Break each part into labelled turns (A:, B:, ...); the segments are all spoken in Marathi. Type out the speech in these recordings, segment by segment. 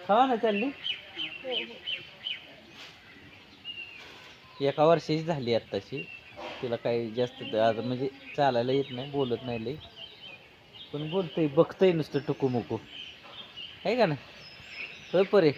A: हो ना चालली. एका वर्षाची झाली आत्ताशी. तिला काही जास्त आता म्हणजे चालायला येत नाही, बोलत नाही लई, पण बोलतंय, बघतंय नुसतं टुकूमुकू, आहे का ना. होय परे.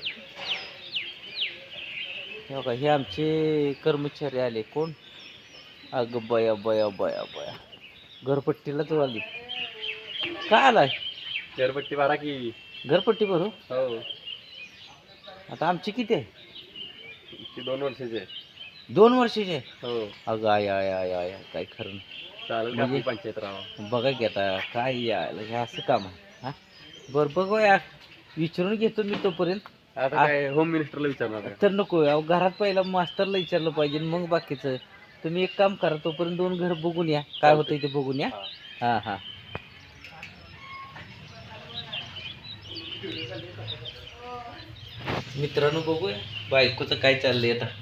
A: हे बघा, हे आमचे कर्मचारी आले. कोण? अगं बया बया बया बया, घरपट्टीलाच आली. काय आलाय?
B: घरपट्टी भरा की.
A: घरपट्टी भरू?
B: हो.
A: आता आमची किती आहे?
B: ती 2 वर्षाची आहे.
A: 2 वर्षाची आहे.
B: हो.
A: अगं आय आय आय आय आय, काय खरं नाही.
B: चालेल का
A: म्हणजे
B: आपली पंचायत राव.
A: बघा की आता काय यायला हे असं काम आहे. हां, बरं बघूया, विचारून घेतो मी तोपर्यंत.
B: आता काय होम मिनिस्टरला विचारणार आहे.
A: तर नको, अहो घरात पहिला मास्टरला विचारलं पाहिजे, मग बाकीचं. तुम्ही एक काम करा, तोपर्यंत 2 घर बघून या, काय होतंय ते बघून या. हां हां. मित्रांनो, बघूया बायकोचं काय चाललंय आता.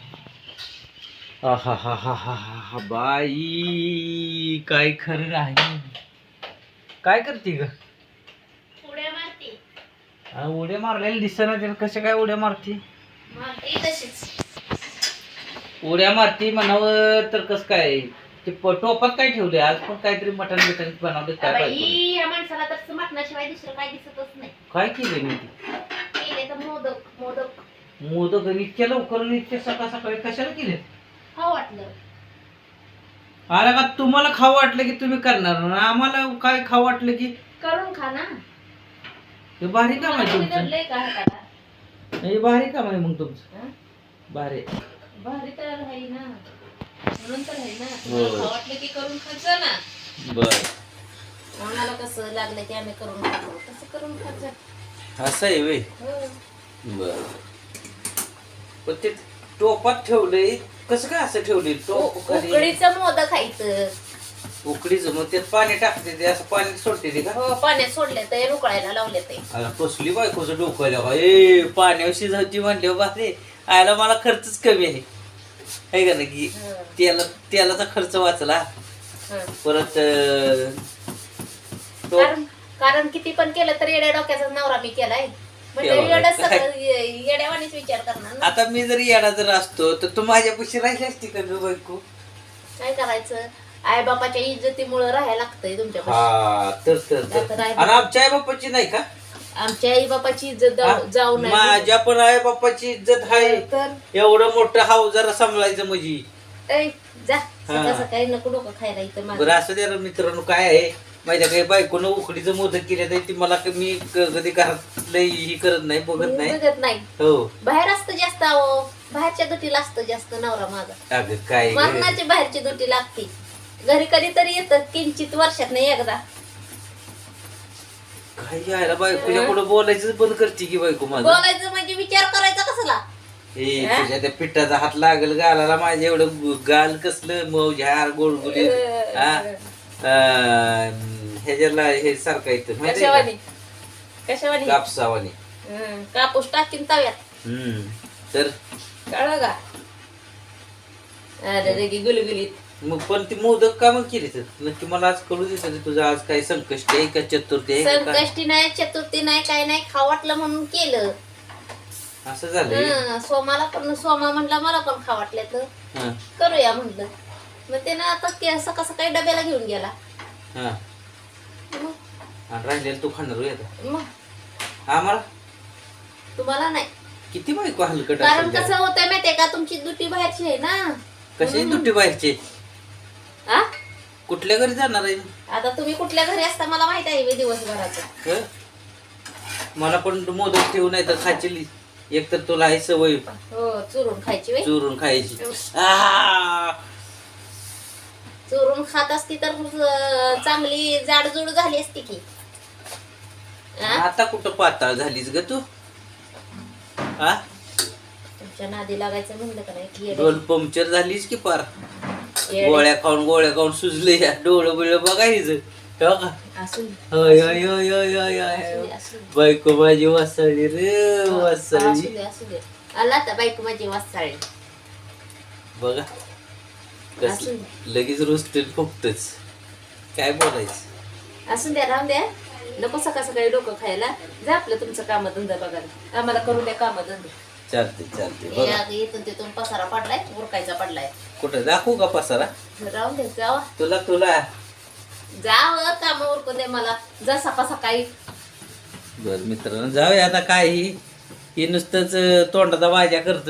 A: हा हा हा हा हा हा, बाई काय खरं नाही. काय करते ग?
C: उड्या मारते.
A: उड्या मारलेल्या दिसना त्याला. कशा काय उड्या मारते?
C: मारते तशीच.
A: उड्या मारती म्हणावं तर कसं काय? ते टोपात काय ठेवले आज? पण काहीतरी मटण बिटन बनवलं काय
C: बाई,
A: पाहिजे?
C: या माणसाला तर मटणाशिवाय दुसरं काय दिसतच नाही.
A: काय केलंय मी?
C: केले तर मोदक मोदक
A: मोदक इतक्या लवकर आणि इतक्या सकाळ सकाळी कशाला केले?
C: खाऊ वाटलं.
A: अरे का तुम्हाला खाऊ वाटलं की तुम्ही करणार ना, आम्हाला काय खाऊ वाटलं की
C: करून खा ना.
A: हे भारी काम आहे
C: तुम्ही
A: तुमचं.
C: धरलंय का हाताला?
A: हे भारी काम आहे मग तुमचं.
C: हं?
A: भारी.
C: भारी तर राही ना, म्हणून तर आहे ना.
A: हो.
C: तुम्हाला खाऊ वाटलं की करून खायचं ना.
A: बर,
C: आम्हाला कसं लागलं की आम्ही करून खातो, तसं करून खायचं.
A: असं आहे वे.
C: हो.
A: बर, पण ते टोपात ठेवलंय कसं काय? असं ठेवलंय टोप?
C: उकडीचं मोदक खायचं.
A: उकडीचं मग त्यात पाणी टाकते ते, असं पाणी सोडते ते का?
C: हो, पाण्यात सोडले ते, उकळायला लावले ते.
A: अरे कसली बायकोचं डोकं आलं का? ए पाण्यावर शिजवती म्हणले बारे, आयला मला खर्चच कमी आहे का ना, की तेलाचा खर्च वाचला.
C: हं.
A: परत
C: कारण किती पण केलं तर येड्या डोक्याचा नवरा मी केलाय. म्हणजे
A: एवढं
C: येडच
A: काय?
C: सगळं येड्यावानीच विचार करणार ना.
A: आता मी जर येडा जर असतो तर तू माझ्यापाशी राहिली असती का ग बायको?
C: काय करायचं, आई बापाच्या इज्जतीमुळे राहायला लागतंय तुमच्या.
A: हा, तर आणि आमच्या आई बापाची नाही का?
C: आमच्या आई बापाची इज्जत जाऊ नये.
A: माझ्या पण आई बापाची इज्जत आहे.
C: तर
A: एवढं मोठं हाव जरा सांभाळायचं म्हणजे.
C: ऐ, जा सकाळ सकाळी नको डोकं खायला इथं माझं.
A: बरं असं द्या मित्रांनो, काय आहे माझ्या काही बायकोनं उकडीचं मोदक केलं तर ती मला मी कधी घरात ही करत नाही, बघत
C: मी
A: नाही.
C: बघत नाही.
A: हो,
C: बाहेर असतं जास्त, अहो बाहेरच्या दुटीला असतं जास्त नवरा माझा.
A: अगं काय ग?
C: मरणाची बाहेरची दुटी लागते. घरी कधीतरी येतं, किंचित वर्षात नाही एकदा.
A: काय यायला बायकोच्या पुढे बोलायचं बंद करते की बायको माझं.
C: बोलायचं म्हणजे विचार करायचा कसला.
A: हे तुझ्या त्या पिठाचा हात लागल गालाला माझ्या, एवढं गाल कसलं मऊ झार गोडगुली. ह्याच्याला हे सारखं येतं माहिती
C: कशावानी कशावानी
A: कापसावानी.
C: कापूस टाकीन तव्यात.
A: तर
C: कळलं का? अरे रे गुलगुलीत.
A: मग पण ती मोदक का मग केली तर नक्की मला आज कळू देत तुझं आज काय संकष्टी आहे का चतुर्थी आहे का?
C: संकष्टी नाही, चतुर्थी नाही, काय नाही, खाऊ वाटलं म्हणून केलं.
A: असं झालं.
C: सोमाला पण, सोमा म्हणला मला पण खाऊ वाटलं तर करूया म्हणलं. मग त्यानं आता सकाळ सकाळी डब्याला घेऊन गेला.
A: आणि राहिलेलं तू खाणार होय आता?
C: मग
A: आम्हाला
C: तुम्हाला नाही.
A: किती बायको हलकट
C: कारण
A: असेल
C: कसं होतं माहितीये का, तुमची दुटी बाहेरची आहे ना.
A: कशी दुटी बाहेरचे?
C: आ?
A: कुठल्या घरी जाणार आहे?
C: आता तुम्ही कुठल्या घरी असता मला माहित आहे दिवसभराचं.
A: मला पण मोदक ठेवू नाही तर खायची. एक तर तुला आहे सवय
C: हो, चुरून खायची.
A: चुरून खायची.
C: चुरून खात असती तर चांगली जाडजूड झाली असती की.
A: आता कुठं पाताळ झालीस ग तू?
C: तुमच्या नादी लागायचं म्हणलं का नाही.
A: डोल पंक्चर झालीस की पार. गोळ्या खाऊन सुजले. डोळं बिळ बघायचं. बायको माझी वासाळी रे, वासाळी.
C: आला तर बायको माझी वासाळी
A: बघा लगेच रोस्टेल फुकतच. काय बोलायचं?
C: असू द्या, राहून द्या. नको सकाळ सकाळी डोकं खायला. जा आपलं तुमचं कामधंदा बघायला, आम्हाला करू द्या कामधंदे.
A: चालते चालते बघा.
C: इथून तिथून पसारा पडलाय, उरकायचा पडलाय.
A: कुठं दाखवू का पसारा
C: राहून दे, जावा
A: तुला
C: जावं, काम उरकून दे मला. जा सकाळ सकाळी.
A: बर मित्रांनो, जाऊया आता. काय ही नुसतंच तोंडाचा वाजा करत